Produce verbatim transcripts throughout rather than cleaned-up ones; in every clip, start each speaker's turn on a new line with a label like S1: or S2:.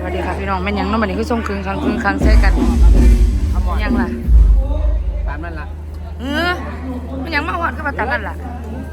S1: วัสดีค่ะพี่น้องแม่นยังน้องบันนี้คือส่งคืนครั้งคืนครั้งใส่กันยังล่ะ
S2: ตามนั่นล่ะ
S1: เออมันยังมาหอดก็มาตามนั่นล่ะ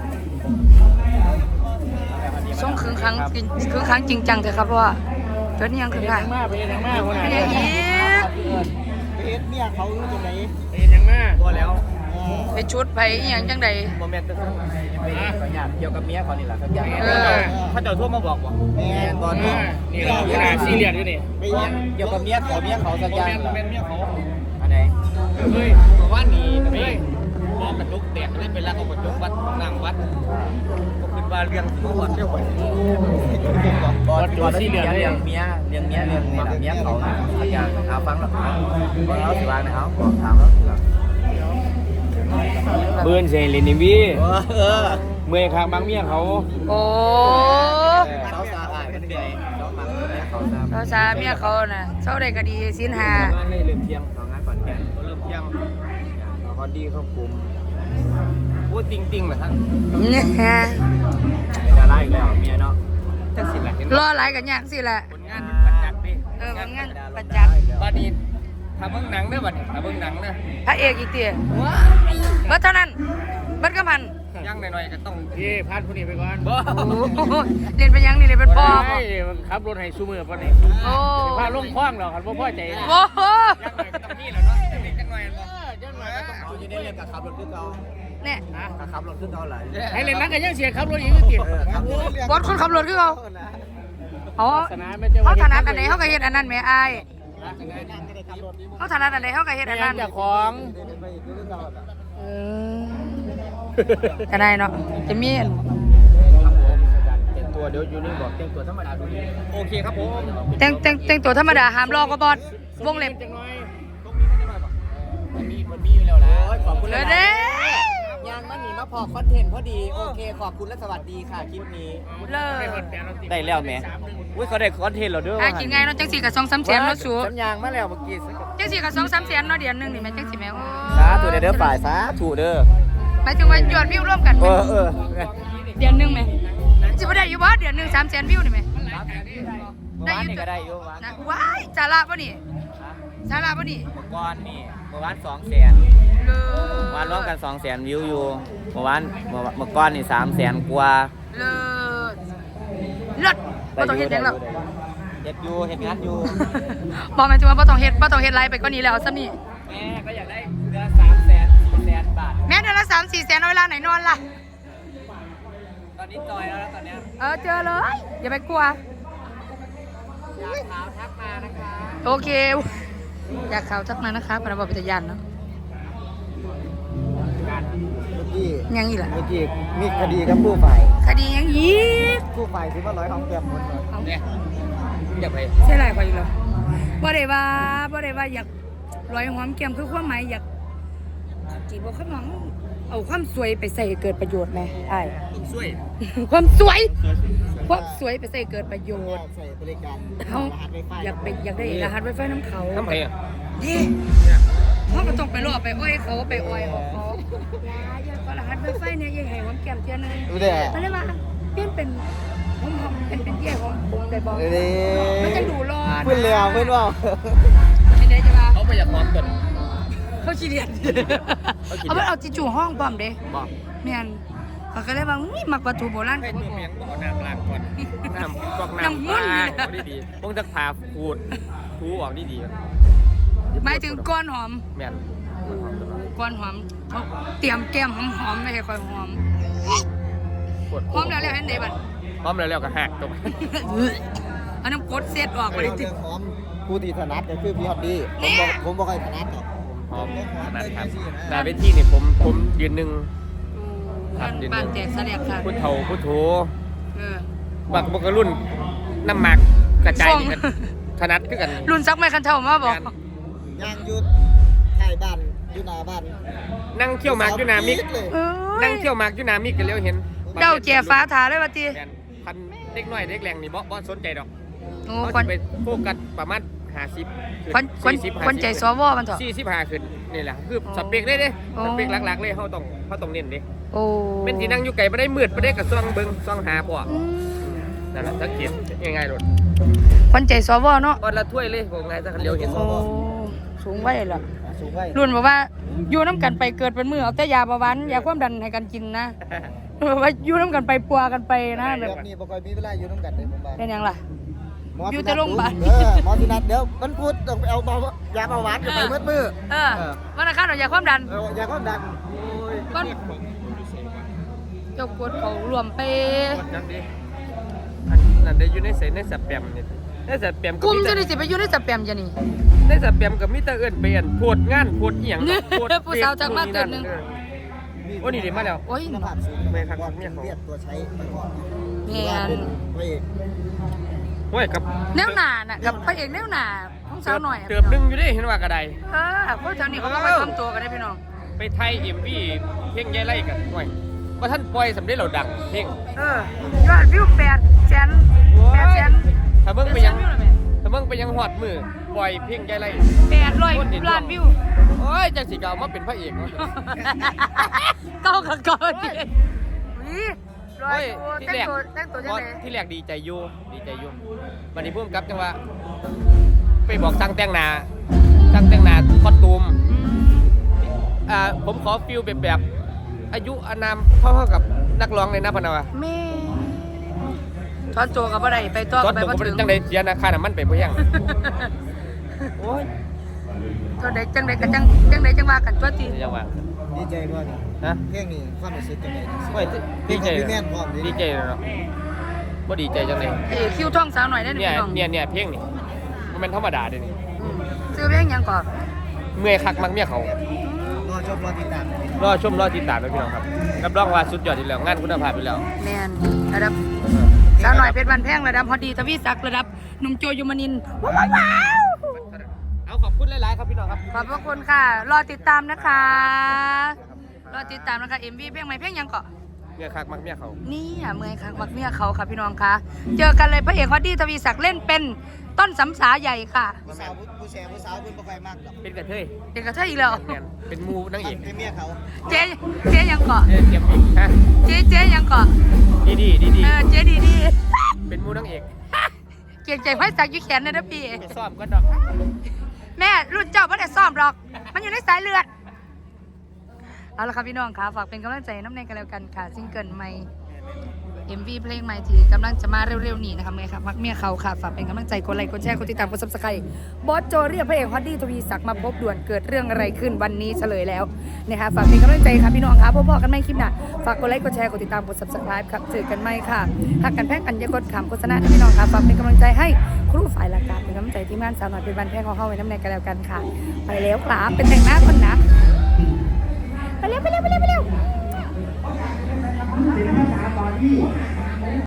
S1: ส่งคืนครั้งคืนครั้งจริงจังเถอะครับเพราะว่าเกิดยังคืนค่ะ
S2: ไปยังมาไปยังมาคนไหน
S1: ไปยังอีก
S2: ไปเอ็ดเมียเขาอยู่ตรงไหนไปยังมาพอแล้ว
S1: ไปชุดไปยังจังใด
S2: โมเมนต์ก็ไปเกี่ยวกับเมียเขานี่แหละครับเขาเจ้าทั่วมาบอกว่าแม่ตอนนี้นี่เราขนาดซีเรียสอยู่นี่เกี่ยวกับเมียเขาเมียเขาสักอย่างเป็นเมียเขาอันไหนเฮ้ยตัวว่านี่เฮ้ยมองกระจุกแตกไม่เป็นรักเอากระจุกวัดนั่งวัดก็คือว่าเรื่องที่วัดเที่ยวไปวัดตัวซีเรียสเรื่องเมียเรื่องเมียเรื่องนี่แหละเมียเขาสักอย่างเอาฟังแล้วเอาสิว่านะเอาบอกถามแล้วเบื่อเซลินิวีเมื่อยข้างบางเมียเขา
S1: โอ้
S2: เสาซาอ่ะเป็นไงเสามาเขา
S1: เสาซาเมียเขาน่ะเสาได้ก็ดีสินหา
S2: ให้เริ่มเที่ยงของงานก่อนแก่เริ่มเที่ยงพอดีเขาคุมพูดจริงๆเหรอท่าน
S1: เนี่ย
S2: จะไล่แล้วเมียเนาะจะสิแหละ
S1: รอหลายกันยากสิแหละ
S2: ผลงานประจักษ์ดิ
S1: เออผลงานประจักษ์
S2: บ้านนี้ทำเบื้องหนังได้บัดทำเบื้องหนังนะ
S1: พระเอกอีกเตี้ยเมื่อเท่านั้นเมื่อก็มัน
S2: ยังหน่อยๆก็ต้องที่พาดผู้นี้ไปก่อน
S1: เรียนไปยังนี่เรียนเป็นพ่อ
S2: ขับรถให้ซูมือป่ะนี่
S1: โอ้
S2: พาลงคว้างหรอครับพ่อใจ
S1: โอ้โห
S2: ยังหน่อยก็ต้องนี่แหละเนาะยังหน่อยยังหน่อยก็ต้องอยู่ในเรื่องกับขับรถขึ้นเรา
S1: เนี่ย
S2: ขับรถขึ้นเราไหลให้เล่นนักกันยังเสียขับรถอีกกี่
S1: บอสคนขับรถขึ้นเขาเขาเขาถนัดอันไหนเขาก็เห็นอันนั้นแม่ไอ้เขาถนัดอันไหนเขาก็เห็นอันนั้น
S2: จากของ
S1: เออจะได้เนาะจะมี
S2: แต่งตัวเดี๋ยวอยู่นี่บอกแต่งตัวธรรมดาดูนี่โอเคครับผม
S1: แต่งแต่งแต่งตัวธรรมดาห้ามลอกก็บอสวงเล็บ
S2: มันมีมันมีอยู่แล้วนะขอบคุณเลย
S1: เด้
S2: ยางมันหนีมาพอคอนเทนต์พอดีโอเคขอบคุณและสวัสดีค่ะคลิปนี้
S1: เลย
S2: ได้แล้วแม่อุ้ยเขาได้คอนเทนต์เราด้วย
S1: อ่ะกินไงเนาะจังสีกับสองสามแสนเนาะสู
S2: สัญญางมาแล้วเมื่อกี้
S1: จังสีกับสองสามแสนเนาะเดือนนึงนี่แม่จังสีแม่โอ้
S2: สาธุเด้อฝ่ายสาธุเด้อ
S1: หมายถึงว่ายอดวิวร่วมกัน
S2: เออเออ
S1: เดือนนึงไหมจิบได้อยู่บ่เดือนนึงสามแสนวิวนี่ไหม
S2: ได้อยู่ก็ได้อยู่
S1: นะว้ายสาระป่ะนี่สาระป่ะนี่
S2: เมื่อวานนี่เมื่อวานสองแสนเมื่อวานรวมกันสองแสนวิวอยู่เมื่อวานเมื่อก่อนนี่สามแสนกว่า
S1: เลิศเลิศบ่ต้องเฮ็ดหยังแล้ว
S2: เฮ็ดอยู่เฮ็ดงานอยู่
S1: บอกหมายถึงว่าบ่ต้องเฮ็ดบ่ต้องเฮ็ดไรไปกว่านี้แล้วซ้ำนี่
S2: แม่ก็อยากได้เดือนสามแสนสี่แสนบาท
S1: แม่เดือนละสามสี่แสนเอาเวลาไหนนอนล่ะ
S2: ตอนนี้จอยแล้วตอนนี้
S1: เออเจอเลยอย่าไปกลัว
S2: อยากข่าวทักมานะคะ
S1: โอเคอยากข่าวทักมานะคะปนบพิทยานเนาะยังอีกล่ะ
S2: เมื่อกี้มีคดีกับผู้ฝ่าย
S1: คดียังอีก
S2: ผู้ฝ่ายที่ว่าร้อยห้องเก็บหมดเลยเนี่ยอยากไป
S1: ใช่ไรกว่าอีกเหรอบ่ได้ว่าบ่ได้ว่าอยากร้อยหอมแก้มคือความหมายอยากจีบเขามองเอาความสวยไปใส่เกิดประโยชน์ไหมไอ้
S2: สวย
S1: ความสวยความสวยไปใส่เกิดประโยชน์
S2: ใส่บริการ
S1: เขาอยากไปอยากได้รหัสไวไฟน้ำเขา
S2: ทำไมอ่ะ
S1: ดิเขาก็ต้องไปรอไปอ้อยเขาไปอ้อยเขาอย่าก็รหัสไวไฟเนี่ยยังไงหอมแก้มเทียนนึงเขาเรียกว่าเปลี่ยนเป็นหอมหอมเป็นเป็นเยี่ยของผมได้บอกมันจะดูรอด
S2: เพื่อนเลี้ยวเพื่อนว่า
S1: ไม่ได้จะมา
S2: เขาไปอยากหอมกัน
S1: เขาขี้เดียดเอาไปเอาจิจูห้องปอมเด้
S2: บอก
S1: เมียนเขาก็เลยว่าอุ้ยมักวัตถุโบราณ
S2: ให้ตัวเมียงบอกน้ำล้างก่อนน้ำกอกน้ำล้างเอาดีๆพวกจะพาขูดทูออกดี
S1: ๆหมายถึงก้อนหอม
S2: เมียน
S1: ก้อนหอมเขาเตรียมแก้มหอมๆไม่ใช่ค่อยหอมหอมแล้วแล้วเห็นเดบัน
S2: หอมแล้วแล้วก็หักตรง
S1: อันนั้นกดเซตออกไปเลย
S2: ติดหอมผู้ที่ถนัดก็คือพี่ฮอดดี้ผมบอกผมบอกให้ถนัดหรอกหอมถนัดครับแต่เวทีนี่ผมผมยืนหนึ่ง
S1: บ้านแจกเสลียกค่ะ
S2: พุทโธพุทโธบักบกรุ่นน้ำหมักกระจายกันถนัดขึ้นกัน
S1: รุ่นซักไม่คันเท่ามาบอก
S2: ย่างยุดถ่ายบ้านยุนาบ้านนั่งเที่ยวหมากยุนามิกนั่งเที่ยวหมากยุนามิกกันเร็วเห็น
S1: เดาแก่ฟ้าถาเลยวะที
S2: พันเด็กน้อยเด็กแรงนี่บ่บ่สนใจดอก
S1: เขา
S2: จะไปโฟกัสประมาณห้าสิบ
S1: คนคนคนใจสวมันเถอะ
S2: สี่สิบห้าขึ้นนี่แหละคือสเปกได้เด้สเปกหลักๆเลยเขาต้องเขาต้องเน้นดิ
S1: โอ้
S2: เป็นที่นั่งอยู่ไกลไม่ได้มืดไม่ได้กับซองเบิ้งซองหาพวกนั่นแหละสังเกตง่ายๆเลย
S1: ขวัญใจสวเนาะ
S2: วันละถ้วยเลยผมไงจะเร็วเห็น
S1: โอ้สูงไว้ล่ะ
S2: สูงไว้
S1: รุ่นบอกว่าอยู่น้ำกันไปเกิดเป็นมือเอาแต่ยาเบาหวานยาความดันให้กันกินนะบอกว่าอยู่น้ำกันไปปัวกันไปนะแบ
S3: แบบ บนี้บ่ค่อยมีเวลาอยู่น้ำกันเลยผมว่า
S1: เป็นยังล่ะ
S3: หม
S1: อยู่แต่โรงพยาบาล
S3: เออหมอสินัดเดี๋ยวมันพูดต้องไปเอาเบายาเบาหวานกันไปมืดมือ
S1: เออวันอังคารเอายาความดัน
S3: เออยาความดัน
S1: ก้อนเจ้ากดเขารวมไป
S2: นั่นดินั่นได้อยู่ในใส่ในสแปมนี่ในสแปม
S1: กลุ่มจะได้สิไปอยู่ในสแปมจะนี่
S2: ในสแปมกับมิเตอร์เอิญเปลี่ยนโพดงานโพดเอียง
S1: ผู้สาวจากบ้านเกิดหนึ่ง
S2: โอ้นี่ดีมาแล้ว
S1: โอ้ย
S3: คุณภาพสูง
S2: ไม่ครับ
S3: ว่า
S2: เนี่
S3: เป็
S2: ย
S3: น
S2: เขา
S3: เลือดตัวใช้ไปก่อน
S1: แม
S3: ว่าน เป็นพระเอก
S2: โอ้ยกับ
S1: แนวหนาน่ะกับพระเอกแนวหนาของสาวหน่อย
S2: เติบนึงอยู่ดิเห็นว่ากระได
S1: เออพวกแถวนี้เขาก็ไปทำตัวกันได้พี่น้อง
S2: ไปไทยเอ็มวีเพลงยายไล่กันโอ้ยว่าท่านปล่อยสำเร็จเราดังเพลง
S1: เออยอดวิวแปดแสนแปดแสน
S2: ถ้าเบิ่งไปยังถ้าเบิ่งไปยังหอดมือปล่อยเพลงยายไล่
S1: แปดร้อยล้านวิว
S2: โอ้ยจังสิเก่ามาเป็นพระเอกเนาะ
S1: เก้ากับเก้าดิวิร้อย
S2: โอ้ย
S1: ตัว
S2: ที่
S1: แต่
S2: แรง ก
S1: ตัวแต่งตัวยังไง
S2: ที่แรกดีใจอยู่ดีใจอยู่วันนี้พุ่มกับจังว่าไปบอกสั่งแต่งหน้าสั่งแต่งหน้าคอสตูมอ่าผมขอฟิลแบบแบบอายุอานามเท่าๆกับนักร้องเลยนะพะนาวะ
S1: แม่ทอนตัวกับอะไรไปตัว
S2: ตอน
S1: ไป
S2: ผม
S1: บ่
S2: ก็
S1: ถึง
S2: จังไดเสียนะค่าน้ำมันไปบ่ยังโอ้ย
S1: ตัวใดจังใดกันจังจังใดจังว่ากันตัวที
S2: จังว่า
S3: ดีใจบ่นี่
S2: ฮะ
S3: เพลงนี้ความรู้สึกจังได๋
S2: โอ้ยดีใจ
S3: พี่แม่นพร้อม
S2: ดีใจเนาะบ่ดีใจจังเลย
S1: เอ้ยคิวท่องสาวหน่อยได้หนึ่ง
S2: เนี่ย
S1: พี่น้อง
S2: เนี่ยเนี่ยเพลงนี่มันเป็นธรรมดาเด้นี่
S1: อืมซื้อเพลงหยังก่อน
S2: เมื่อยคักมักเมียเขา
S3: รอชมรอติดตาม
S2: รอชมรอติดตามด้วยพี่น้องครับรับรองว่าสุดยอดอยู่แล้วงานคุณภาพอยู่แล้ว
S1: แมนระดับสาวหน่อยเพชรวันแพงระดับพอดีทวีศักดิ์ระดับหนุ่มโจยมนินทร์ว้าวว้าว
S2: เอาขอบคุณหลายๆครับพี่น้องครับ
S1: ขอบพระคุณค่ะ รอติดตามนะคะ รอติดตามนะคะเอ็มวีเพลงใหม่เพลงหยังก่อน
S2: เมื่อยคักมักเมียเขา
S1: นี่อ่ะเมื่อยครั้งมักเมียเขาค่ะพี่น้องคะเจอกันเลยพระเอกฮอดดี้ทวีศักดิ์เล่นเป็นต้นสำสาใหญ่ค่ะ
S3: ผู้สาวผู้แชร์ผู้สาวเพิ่นบ่ค่อยมักดอก
S2: เป็นกระเทย
S1: เด็กกระเทยอีกแล้ว
S2: แมนเป็นมูนางเอก
S3: เป็นเมียเขา
S1: เจ๊เจ๊ยังเกาะ
S2: เอ้ยเตรียมอีกฮะ
S1: เจ๊เจ๊ยังเกาะ
S2: ดีดีดีดี
S1: เออเจ๊ดีดี
S2: เป็นมูนางเอก
S1: เกียงใจไฟสักอยู่แขนเลยนะพี่
S2: ไปซ้อมก็ดอก
S1: แม่รุ่นเจ้าไม่ได้ซ่อมหรอก มันอยู่ในสายเลือด เอาละครับพี่น้องค่ะฝากเป็นกำลังใจน้ำในกันแล้วกันค่ะซิงเกิลใหม่ เอ็ม วี เพลงใหม่ที่กำลังจะมาเร็วๆนี้นะคะเมื่อครับมักเมียเขาค่ะฝากเป็นกำลังใจกดไลค์กดแชร์กดติดตามกดซับสไครต์บอสโจเรียกพระเอกฮอดดี้ทวีศักดิ์มาพบด่วนเกิดเรื่องอะไรขึ้นวันนี้เฉลยแล้วนะคะฝากเป็นกำลังใจค่ะพี่น้องค่ะพบกันไม่คลิปหน้าฝากกดไลค์กดแชร์กดติดตามกดซับสไครต์ครับเจอกันไหมค่ะหากกันแพ้กันอย่ากดขำโฆษณานะพี่น้องค่ะฝากเป็นกำลังใจให้ครูฝ่ายละการเป็นกำลังใจที่ม่านสาวหน่อยเป็นวันแพงของเข้าไว้น้ำในกันแล้วกันค่ะไปแล้วครับเป็นแต่งหน้าคนนะไปเร็วไปเร็วไปเร็วไปเร็ว